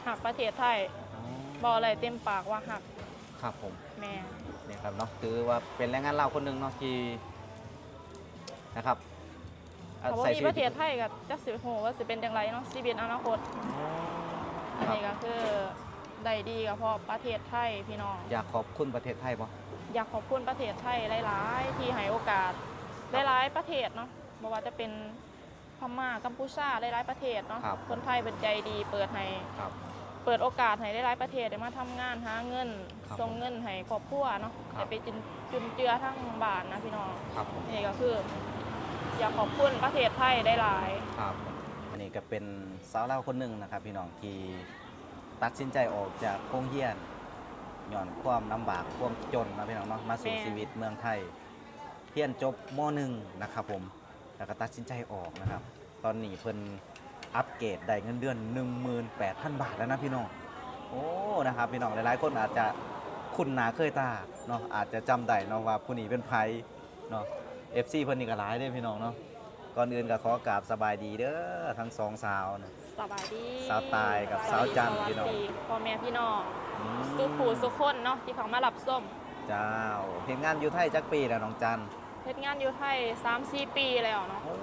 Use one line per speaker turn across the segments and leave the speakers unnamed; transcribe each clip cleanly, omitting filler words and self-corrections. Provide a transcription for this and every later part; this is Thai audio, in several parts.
หักประเทศไทยบอกอะไรเต็มปากว่าหัก
ครับผม
แม่
นี่ครับเนาะถือว่าเป็นแรงงานลาวคนหนึ่งเนาะที่นะครับ
เขาบอกมีประเทศไทยกับจักสิโหว่าสิเป็นอย่างไรเนาะชีวิตอนาคตอันนี้ก็คือได้ดีกับพ่อประเทศไทยพี่น้อง
อยากขอบคุณประเทศไทยป่ะ
อยากขอบคุณประเทศไทยหลายๆที่ให้โอกาสหลายๆประเทศเนาะไม่ว่าจะเป็นพม่ากัมพูชาหลายๆประเทศเนาะคนไทยเป็นใจดีเปิดให้เปิดโอกาสให้หลายๆประเทศได้มาทำงานหาเงินส่งเงินให้ครอบครัวเนาะได้ไปจุนเจือทั้งบ้านนะพี่น้องนี่ก็คืออยากขอบคุณประเทศไทยได้หลาย
ครับอันนี้ก็เป็นสาวลาวคนหนึ่งนะครับพี่น้องที่ตัดสินใจออกจากโรงเรียนย้อนความลำบากความจนนะพี่น้องเนาะมาสู่ชีวิตเมืองไทยเรียนจบม .1 นะครับผมแล้วก็ตัดสินใจออกนะครับตอนนี้เพิ่นอัปเกรดได้เงินเดือน 18,000 บาทแล้วนะพี่น้องโอ้นะครับพี่น้องหลายๆคนอาจจะคุ้นหน้าเคยตาเนาะอาจจะจำได้เนาะว่าผู้นี้เป็นไผเนาะ FC เพิ่นนี่ก็หลายเด้พี่น้องเนาะก่อนอื่นก็ขอกราบสบายดีเด้อทั้งสองสาวนะ
สบายดี
สาวตายกับสาวจันพี่น้อง
พ่อแม่พี่น้องสุขูสุขคนเนาะที่เขามารับส้ม
เจ้าเฮ็ดงานอยู่ไทยจักปีแล้วน้องจัน
เฮ็ดงานอยู่ไทย 3-4 ปีแล้วเนาะ
โอ้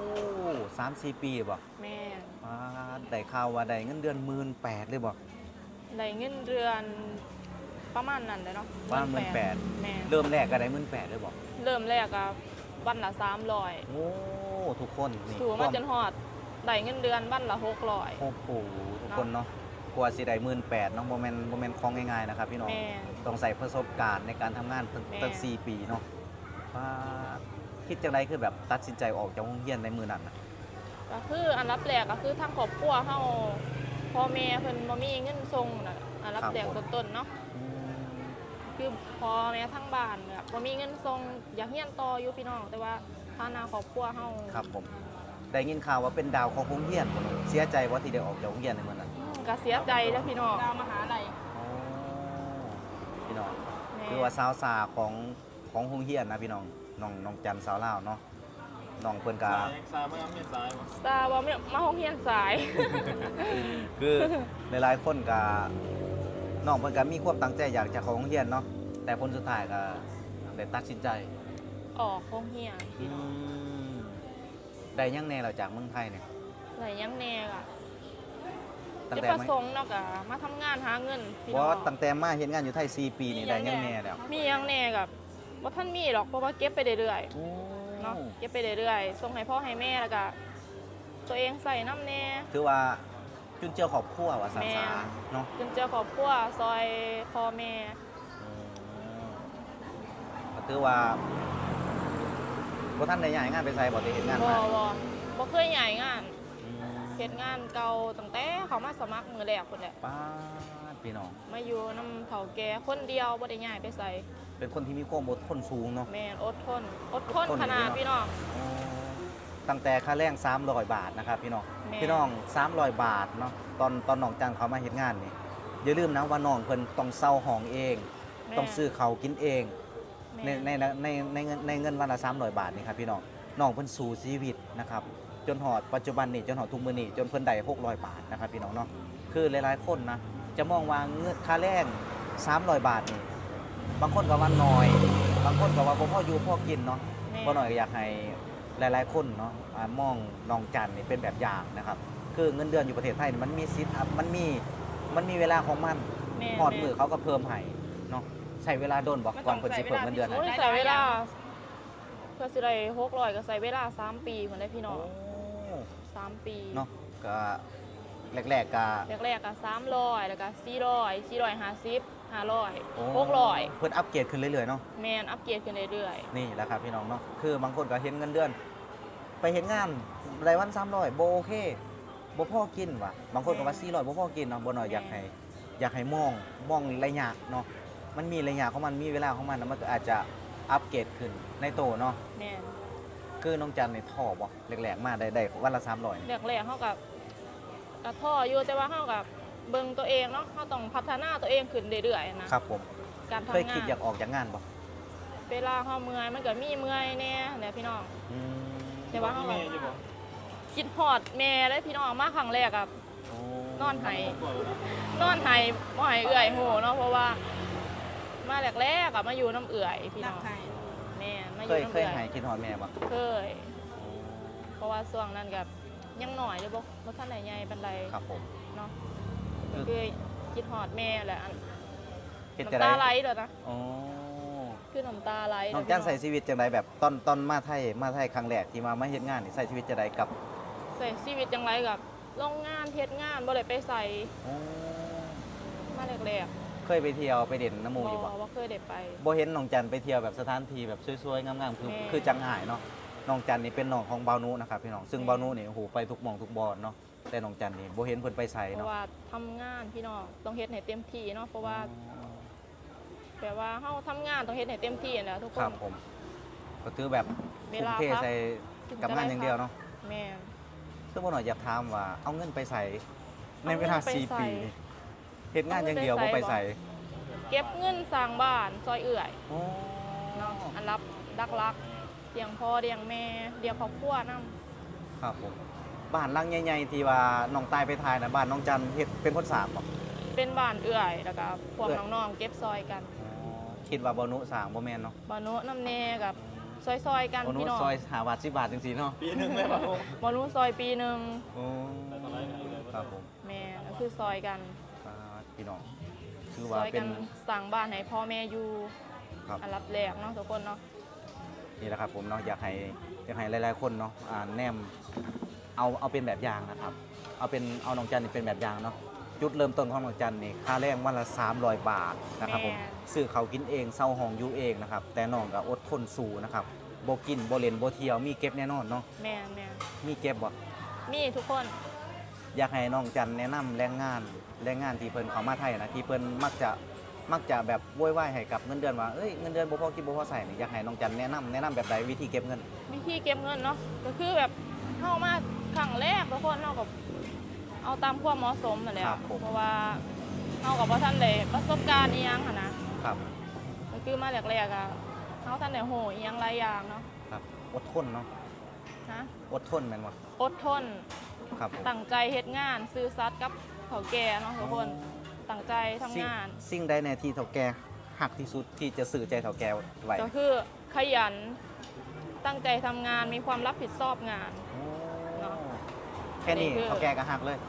3-4 ปีบ่
แม่
ได้ข่าวว่าได้เงินเดือน 18,000 เลยบ่
ได้เงินเดือนประมาณนั้นเลยเนาะ
ประมาณ 18,000
แม่
เริ่มแรกก็ได้ 18,000 เลยบ่
เริ่มแรกก็วันละ300
โอ้ทุกคนนี่
สู่มาจนฮอดได้เงินเดือนวันละ600
โอ้โหทุกคนเนาะกว่าสิได้ 18,000 เนาะบ่แม่นของง่ายๆนะครับพี่น้องต้องใส่ประสบการณ์ในการทำงานตั้ง4 ปีเนาะคิดจังได๋คือแบบตัดสินใจออกจากโรงเรียนในมื้อนั้นน่ะ
ก็คืออันดับแรกก็คือทางครอบครัวเฮาพ่อแม่เพิ่นบ่มีเงินส่งน่ะอันดับแรกต้นๆเนาะคือพ่อแม่ทั้งบ้านแบบบ่มีเงินส่งอยากเรียนต่ออยู่พี่น้องแต่ว่าฐานะครอบครัวเฮา
ครับผมได้ยินข่าวว่าเป็นดาวของโรงเรียนเสียใจว่าที่ได้ออกจากโรงเรียนในมื้อนั้น
ก็เสียใจแล้วพี่น้องดาวมหาลัย
พี่น้องคือว่าสาวสาของโรงเรียนนะพี่น้องจันสาวลาวเนาะน้องเพิ่นก็
สาวบ่มีสายสาวบ่มาโรงเรียนสาย
คือหลายๆคนก็น้องเพิ่นก็มีความตั้งใจอยากจะเข้าโรงเรียนเนาะแต่ผลสุดท้ายก็ได้ตัดสินใจ
ออกโรงเรียน
ได้ยังแน่เราจากเมืองไทยเนี่ย
ได้ยังแน่ก็จะประสงค์เนาะก็มาทำงานหาเงิน
พี่น้องตั้งแต่มาเฮ็ดงานอยู่ไทย4 ปีนี่ได้ยังแน่แล้ว
มียังแน่กับบ่ทันมีหรอกเพราะว่าเก็บไปเรื่อยๆเนาะเก็บไปเรื่อยๆส่งให้พ่อให้แม่แล้วก็ตัวเองใส่น้ำแน่
ถือว่าจุนเจือครอบครัวว่าสาเนาะ
จุนเจือครอบครัวซอยพ่อแม่
ก็ถือว่าบ่ทันได้ย้ายงานไปไสบ่ได้เฮ็ดงานมา
บ่เคยย้ายงานเฮ็ดงานเก่าตั้งแต่เขามาสมัครมื้อแรกพุ่นแหละ
ป้าพี่น้อง
มาอยู่นำเฒ่าแก่คนเดียวบ่ได้ย้ายไปไส
เป็นคนที่มีความอดทนสูงเนาะ
แม่นอดทนขนาดพี่น้อง
ตั้งแต่ค่าแรง300 บาทนะครับพี่น้อง300 บาทเนาะตอนน้องจังเขามาเฮ็ดงานนี่อย่าลืมนะว่าน้องเพิ่นต้องเช่าห้องเองต้องซื้อข้าวกินเองในเงินวันละ300 บาทนี่ครับพี่น้องเพิ่นสู้ชีวิตนะครับจนหอดปัจจุบันนี่จนหอดทุกมื้อนี่จนเพิ่นได้600 บาทนะครับพี่น้องเนาะคือหลายๆคนนะจะมองว่าเงินค่าแรง300 บาทนี่บางคนก็ว่าน้อยบางคนก็ว่าบ่พออยู่พอกินเนาะบ่น้อยก็อยากให้หลายๆคนเนาะมองน้องจันนี่เป็นแบบอย่างนะครับคือเงินเดือนอยู่ประเทศไทยมันมีสิทธิ์มันมีเวลาของมันฮอดมื้อเขาก็เพิ่มให้เนาะใช้เวลาโดนบอกก่อนเพิ่นสิเพิ่มเงินเดือน
ใช้เวลาเพื่อสิได้600ก็ใช้เวลา3 ปีเหมือนได้พี่น้อง3 ปี
เนาะก็แรกๆก็
300แล้วก็400 450 500 600
เพิ่นอัปเกรดขึ้นเรื่อยๆเนาะ
แม่นอัปเกรดขึ้นเรื่อย
ๆนี่แหละครับพี่น้องเนาะคือบางคนก็เห็นเงินเดือนไปเห็นงานรายวัน300บ่โอเคบ่พอกินว่ะบางคนก็ว่า400บ่พอกินเนาะบ่น้อยอยากให้มองระยะเนาะมันมีระยะของมันมีเวลาของมันมันก็อาจจะอัปเกรดขึ้นในโตเนาะ
แม่น
คือน้องจันนี่ท่อบ่แรกๆมาได้วันละ300
แรกๆเฮาก็ท่ออยู่แต่ว่าเฮาก็เบิ่งตัวเองเนาะเฮาต้องพัฒนาตัวเองขึ้นเรื่อยๆนะครับ
ผม
การทำงาน
เคยคิดอยากออกจากงานบ่
เวลาเฮาเมื่อยมันก็มีเมื่อยแน่แหละพี่น้องแต่ว่าเฮาคิดฮอดแม่เลยพี่น้องมาครั้งแรกนอนไห้บ่ให้เอื่อยโหเนาะเพราะว่ามาแรกๆอะมาอยู่น้ำเอื่อยพี่
รั
น้
ก
อง
ใคร
แม่นมาอ
เค
ยู่
ย
น้ำ
เคย
เอื่อย
หายคิดฮอดแม่บ่
เคย เพราะว่าช่วงนั้นกับยังหน่อยเลยบ่ทันได้ใหญ่ปานใด
ครับผม
เนาะ
คือ
คือคิดฮอดแม่แหละอัน
เฮ็ดจะ
น้ำ
ได้
ตาไหลเด้อนะ
อ๋อ
คือน้ำตาไหล
น้องจันใส่ชีวิตจังไดแบบตอนมาไทยครั้งแรกที่มาเฮ็ดงานนี่ใส่ชีวิตจังไดกับ
ใส่ชีวิตจังไรกับโรงงานเฮ็ดงานบ่ได้ไปใส่
อ๋อ
มาแรก
เคยไปเที่ยวไปเด่นน้ำห
ๆ
มูอยู่บ่
บ่เคยได้ไป
บ่เห็นน้องจันไปเที่ยวแบบสถานที่แบบสวยๆงามๆคือ
แม่
คือจังหายเนาะน้องจันนี่เป็นน้องของเบานุนะครับพี่น้องซึ่ง
แม่
เบานุนี่โอ้โหไปทุกหม่องทุกบอนเนาะแต่น้องจันนี่บ่เห็นเพิ่นไปไส
เพ
เนาะ
ราะว่าทำงานพี่น้องต้องเฮ็ดให้เต็มที่เนาะเพราะว่าแปลว่าเฮาทำงานต้องเฮ็ดให้เต็มที่นั่นแหละทุกค
ครั
น
บผมก็คือแบบ
เว
ทุ่ม
ลา
เท
พัก
ใส่กับงานอย่างเดียวเนาะ
แม่น
ซึ่งบ่หน่อยอยากถามว่าเอาเงินไปใส่ในเวลา
เอาเงินไป
4
ใส่
ปีเฮ็ดงานอย่างเดียวบ่ไปใส่
เก็บเงินสร้างบ้านซอยเอื่อย
อ๋อ
เนาะอันรับรักเลี้ยงพ่อเลี้ยงแม่เลี้ยงครอบครัวนํ
ครับผมบ้านหลังใหญ่ๆที่ว่าน้องตายไปทายนะบ้านน้องจันเฮ็ดเป็นคนสร้างบ่
เป็นบ้านเอื่อยแล้วก็พวก
เอื่อย
น้องๆเก็บซอยกัน
คิดว่าบ่นุสร้างบ่แม่นเนาะ
บานุน้ำเนกับซอยๆกัน
บ่นุ
พี่น้อง
ซอย5บาท10บาทจังซี่เนาะ
ปีหนึ่งเลยป่ะผม
บานุซอยปีหนึ่ง
โอ้ครับผม
แม่ก็คือซอยกัน
ครับพี่น้องคือ
ซ
ว่า
อย
เป็
กัน นสั่งบ้านให้พ่อแม่อยู่
ครับ
อันรับแรกเนาะทุกคนเนาะ
นี่แหละครับผมเนาะอยากให้หลายๆคนเนาะแนมเอาเป็นแบบอย่างนะครับ เอาน้องจันนี่เป็นแบบอย่างเนาะจุดเริ่มต้นของน้องจันนี่ค่าแรงวันละ300 บาทนะครับผมซื้อเขาวกินเองเซาห้องอยู่เองนะครับแต่น้องก็อดทนสู้นะครับบ่กินบ่เล่นบ่เที่ยวมีเก็บแน่นอนเนาะ
แม่
มีเก็บบ่
มีทุกคน
อยากให้น้องจันแนะนำแรงงานที่เพิ่นเข้ามาไทยนะที่เพิ่นมักจะแบบโวยวายให้กับเงินเดือนว่าเอ้ยเงินเดือนบ่พอกินบ่พอใส่นี่อยากให้น้องจันแนะนำแบบใดวิธีเก็บเงิน
วิธีเก็บเงินเนาะก็คือแบบเข้ามาครั้งแรกทุกคนเนาะกับเอาตามความเหมาะสมนั่นแหละ
ครับผม
เพราะว่าเอากับว่าท่านเลยประสบการณ์อีหยังค่ะนะครับ ก็คือมาแรกๆอะเขาท่านได้โหอีหยังหลายอย่างเนาะ
ครับอดทนเนาะ
ฮะ
อดทนแม่นบ่
อดทน
ครับผม
ตั้งใจเฮ็ดงานซื่อสัตย์กับเขาแก่เนาะทุกคนตั้งใจทำงาน
สิ่งใดในที่เฒ่าแก่หักที่สุดที่จะสื่อใจเฒ่าแก่ไว้
ก็คือขยันตั้งใจทำงานมีความรับผิดชอบงาน เนาะ
แค่นี้
นี่คือ
เฒ่าแก่ก็หักเลย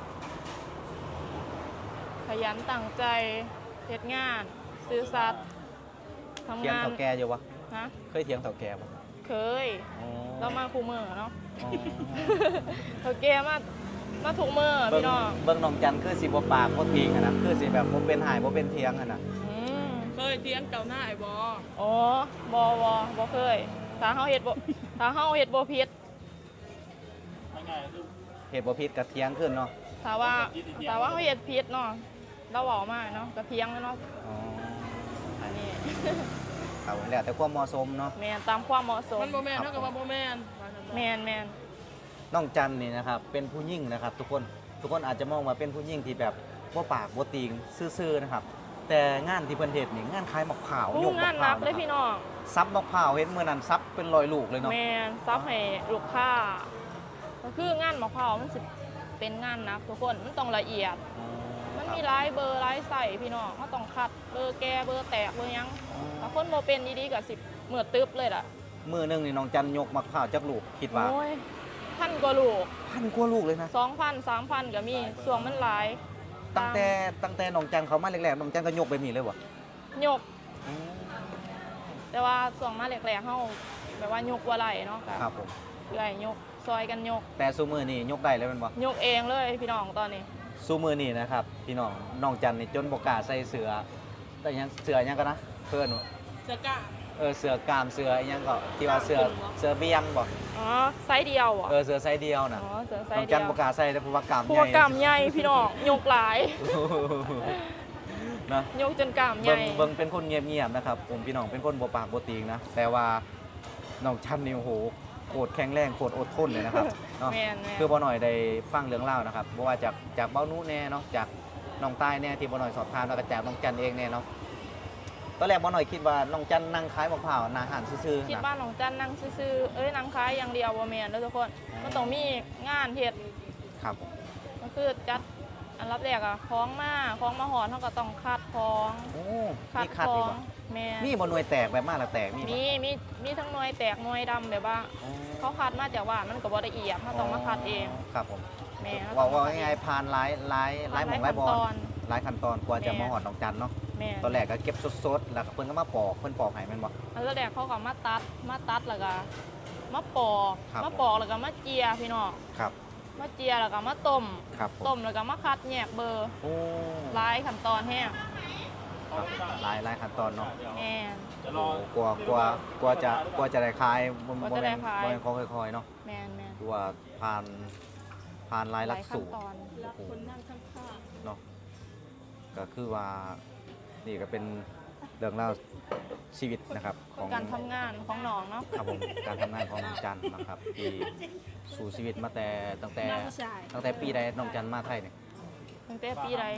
ขยันตั้งใจเฮ็ดงานซื่อสัตย์ทำ
เถียง
งาน
เฒ่าแก่อยู่วะ
ฮะ
เคยเถียงเฒ่าแก่บ่
เคย
อ๋อ
เรามาคู่มือเนาะ
อ๋อ
เขาแก่มาถูกมือ
เบิ่ง
พี่น้อง
เบิ่งน้องจันคือสิบ่ปากบ่ติงอะนะคือสิแบบบ่เป็นหายบ่เป็นเถียงอะนะ
อืม
เคยเทียงเก่าหน้าไอ้บอ
อ๋บ่เคยถ้าเฮาเฮ็ดบ่ผิด
ง่ายๆคือ
เหตุบ่ผิดก็เถียงขึ้นเนาะ
ถ้าว่าเฮาเฮ็ดผิดเนาะเราเว้ามาเนาะก็เพียงแล้วเนาะ
อ๋อ
อันนี้
ครับผมแล้วแต่ความเหมาะสมเนาะ
แม่นตามความเหมาะสม
มันโบแมนเท่ากับว่าโบแมน
แม่น
น้องจันนี่นะครับเป็นผู้หญิงนะครับทุกคนอาจจะมองว่าเป็นผู้หญิงที่แบบบ่ปากบ่ติงซื่อๆนะครับแต่งานที่เพิ่นเฮ็ดนี่งานขายมะพร้าว
ผู้
ยก
งาม
ะ
น
พร้า
นั
ว
กเลยพี่น้อง
ซับมะพร้าวเห็นมื้อนั้นซับเป็นร้อยลูกเลยเนาะ
แม่นซับให้ลูกค้าก็คืองานมะพร้าวมันสิเป็นงานหนักทุกคนมันต้องละเอียด มันมีหลายเบอร์หลายใส่พี่น้องเขาต้องคัดเบอร์แก่เบอร์แตกเบอร์หยังถ้าคนโมเป็นดีๆก็สิเหมือดตึ๊บเลยล่ะ
มื้อหนึงนี่น้องจันยกมะพร้าวจักลูกคิดว่า
โอ้ยพันกว่าลูก
1,000กว่าลูกเลยนะ
2,000 3,000ก็มีส่วงมันหลาย
ตั้งแต่น้องจันเขามาแรกๆน้องจันก็ยกแบบนี้เลยบ่
ยก แต่ว่าส่วงมาแรกๆเฮาแบบว่ายกว่าไหลเนาะ
ครับผม
เอื่อยยกซอยกันยก
แต่ซุมื้อนี้ยกได้เลยแม่นบ่
ยกเองเลยพี่น้องตอนนี้
ซุมื้อนี้นะครับพี่น้องน้องจันนี่จนบ่กล้าใส่เสื้อแต่ยังเสื้อหยังก็นะเพิ่นว่า
เสือกะ
เสื้อกล้ามเสื้ออิหยังก็ที่ว่าเสื้อเบี้ยงบ่
อ๋อไซส์เดียวเหรอ
เสื้อไซส์เดียวน่ะ
อ๋อเสือไซ
น้อง
ส์เดี
จั
ย
น
ว
บ่กล้าใส่แต่เพราะว่ากล้าม
พว
ให
ก
ญ่
กำใหญ่พี่น้องยกหลาย
นะ
ยกจนกล้ามให
เบิ่
ญ่
งเบิ่งเป็นคนเงียบๆนะครับผมพี่น้องเป็นคนบ่ปากบ่ติงนะแต่ว่าน้องจันนี่โอ้โหโคตรแข็งแรงโคตรอดทนเลยนะครับเนาะ
แม่น
คือบ่หน่อยได้ฟังเรื่องเล่าวนะครับบ่ว่าจากเบ้านุแน่เนาะจากน้องใต้แน่ที่บ่หน่อยสอบถามแล้วก็จากน้องจันเองแน่เนาะตอนแรกบ่หน่อยคิดว่าน้องจันนั่งขายมะพร้าวหน้าห้านซื่อ
คิด
ๆนะ
ว่าน้องจันนั่งซื่อๆนั่งขายอย่างเดียวบ่แม่นเด้อทุกคนมันต้องมีงานเฮ็ด
ครับ
ก็คือจัดอันรับแรกอะคล้องมาหอนเขาก็ต้องคัดคล้อง
โอ้
คัด
มีคัด
คล้
อี
อก ง
บ่
แม่
มีบ่หน่วยแตกแบบมาแล้วแตกมีบ่
มีทั้งหน่วยแตกหน่วยดำแบบว่า
อ๋อ
เขาคัดมาจากว่ามันก็บ่ละเอียดเขาต้องมาคัดเอง
ครับผม
แม่
ว่าง่ายๆผ่านหลายหม่องหลายบอล
ตอน
หลายขั้นตอนกว่าจะ
แม่
มาหอดดอกจันเนาะ
แม่
ตอนแรกก็เก็บสดๆแล้วก็เพิ่นก็มาปอกเพิ่นปอกให้แม่นบ่
อันแรกเขาก็มาตัดแล้วก็มาปอก
ครับ
มาปอกแล้วก็มาเจียพี่น้อง
ครับ
มาเจียแล้วก็มาต้ม
ครับผม
ต้มแล้วก็มาคัดแยกเบอร์
โอ้
หลายขั้นตอนแห้ง
ครับหลายขั้นตอนเนาะ
แม่
จะร
โอ้
อก
ว่าจะได้ขายบ่
กว่าจะได้ขาย
บ่แม่นของค่อยๆเนาะ
แม่น
คือว่าผ่านหลายหลักสูตร
ขั้นตอน
รักคนนั่งข้าง
เนาะก็คือว่านี่ก็เป็นเรื่องราวชีวิตนะครับของ
การทำงานของน้องเนาะ
ครับผมการทำงานของน้องจันนะครับที่สู่ชีวิตมาแต่ตั้ง
ๆ
แต่
หน้าผู้ชาย
ตั้งแต่ปีใดน้องจันมาไทยเนี่ย
ตั้งแต่ปีใด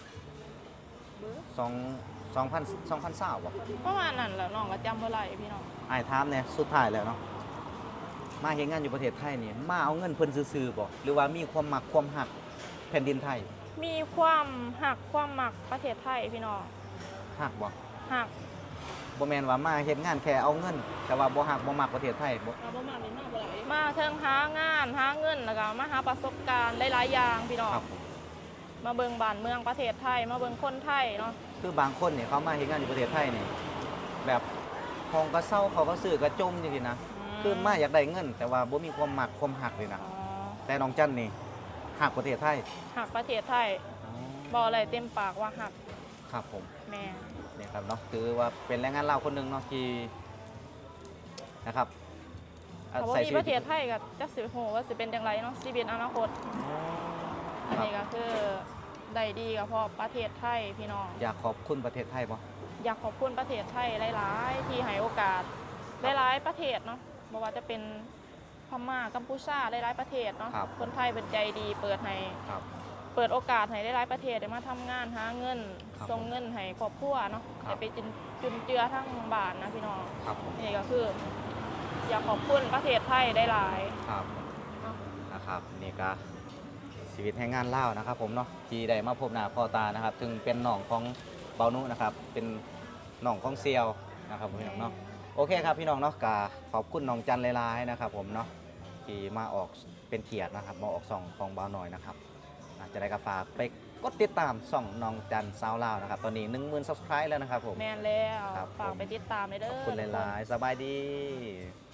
2020บ่
ประมาณนั้นแหละน้องก็จำบ่ได้พี่น้อง
อ้ายถามเนี่ยสุดท้ายแล้วเนาะมาเฮ็ดงานอยู่ประเทศไทยนี่มาเอาเงินเพิ่นซื่อๆบ่หรือว่ามีความมักความหักแผ่นดินไทย
มีความหักความหมักประเทศไทยพี่น้อง
หักบ่
หัก
บ่แม่นว่ามาเฮ็ดงานแค่เอาเงิน แต่ว่าบ่หักบ่มักประเทศไทยบ่
เราประมาณนี้มากกว่าไหน
มาเทิงหางานหาเงินแล้วก็มาหาประสบการณ์หลายๆอย่างพี่น้อง
ครับผม
มาเบิ่งบ้านเมืองประเทศไทย มาเบิ่งคนไทยเนาะ
คือบางคนเนี่ยเขามาเฮ็ดงานอยู่ประเทศไทยนี่แบบห้องก็เศร้าเขาก็ซื้อก็จมจังซี่นะคือมาอยากได้เงิน แต่ว่าบ่มีความมักความหักเลยนะ
อ๋อ
แต่น้องจันนี่หักประเทศไทย
หักประเทศไทยบอกอะไรเต็มปากว่าหัก
ครับผม
แม่
นี่ครับเนาะคือว่าเป็นแรงงานลาวคนหนึงเนาะที่นะครับ
ถ้าว่ามีประเทศไทยก็จักสิโหว่าสิเป็นจังไรเนาะชีวิตอนาคต อันนี้ก็คือได้ดีก็เพราะประเทศไทยพี่น้อง
อยากขอบคุณประเทศไทยบ่
อยากขอบคุณประเทศไทยหลายๆ ที่ให้โอกาสหลายๆประเทศเนาะบ่ว่าจะเป็นพม่ากัมพูชาหลายๆประเทศเนาะ
ครับ
คนไทยเป็นใจดีเปิดให้
ครับ
เปิดโอกาสให้หลายๆประเทศได้มาทำงานหาเงิน
ครับ
ส่งเงินให้ครอบครัวเนาะ
ครับ
ได้ไปจุนเจือทั้งบ้านนะพี่น้อง
ครับผม
นี่ก็คือ อยากขอบคุณประเทศไทยได้หลาย
ครับ
เนาะ
นะครับนี่ก็ชีวิตแห่งงานลาวนะครับผมเนาะที่ได้มาพบหน้าพ่อตานะครับถึงเป็นน้องของเบานุนะครับเป็นน้องของเซียวนะครับพี่น้องเนาะโอเคครับพี่น้องเนาะก็ขอบคุณน้องจันหลายๆนะครับผมเนาะที่มาออกเป็นเกียรตินะครับมาออกส่องของเบาหน่อยนะครับจะได้กระฝากไปกดติดตามส่องน้องจันสาวลาวนะครับตอนนี้ 10,000 subscribe แล้วนะครับผม
แมนแล้ว
ครับ
ฝาก
ผม
ไปติดตามเลยเด้
ข
อ
อบคุณหลายๆสบายดี
ๆ